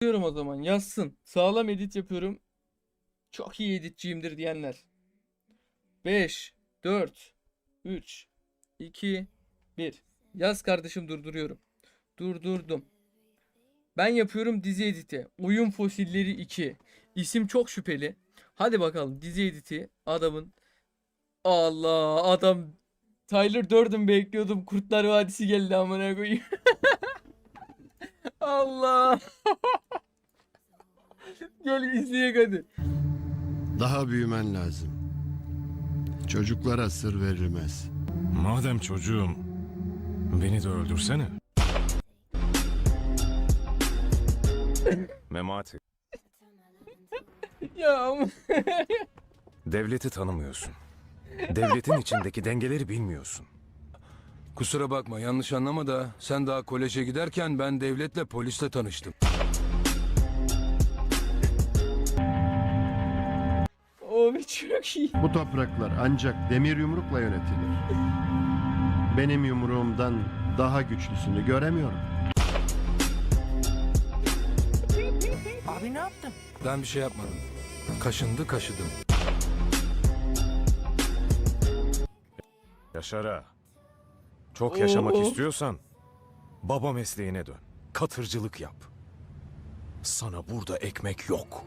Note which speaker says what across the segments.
Speaker 1: Diyorum o zaman yazsın. Sağlam edit yapıyorum. Çok iyi editçiyimdir diyenler. 5, 4, 3, 2, 1. Yaz kardeşim, durduruyorum. Durdurdum. Ben yapıyorum dizi editi. Oyun Fosilleri 2. İsim çok şüpheli. Hadi bakalım dizi editi adamın. Allah, adam Tyler Durden bekliyordum. Kurtlar Vadisi geldi amına koyayım. Allah. Gel izleyek hadi.
Speaker 2: Daha büyümen lazım. Çocuklara sır verilmez.
Speaker 3: Madem çocuğum, beni de öldürsene. Memati,
Speaker 1: Ya ama
Speaker 3: devleti tanımıyorsun. Devletin içindeki dengeleri bilmiyorsun.
Speaker 4: Kusura bakma, yanlış anlama da sen daha koleje giderken ben devletle polisle tanıştım.
Speaker 1: o çok iyi.
Speaker 2: Bu topraklar ancak demir yumrukla yönetilir. Benim yumruğumdan daha güçlüsünü göremiyorum.
Speaker 4: Ben bir şey yapmadım. Kaşındı kaşıdım.
Speaker 3: Yaşara, çok yaşamak
Speaker 1: Oo.
Speaker 3: istiyorsan baba mesleğine dön. Katırcılık yap. Sana burada ekmek yok.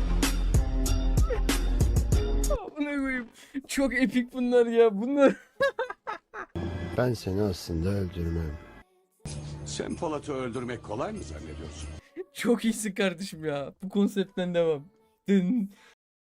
Speaker 1: Amına koyayım. Çok epik bunlar ya. Bunlar.
Speaker 2: Ben seni aslında öldürmem.
Speaker 5: Sen Polat'ı öldürmek kolay mı zannediyorsun?
Speaker 1: Çok iyisin kardeşim ya. Bu konseptten devam. Dın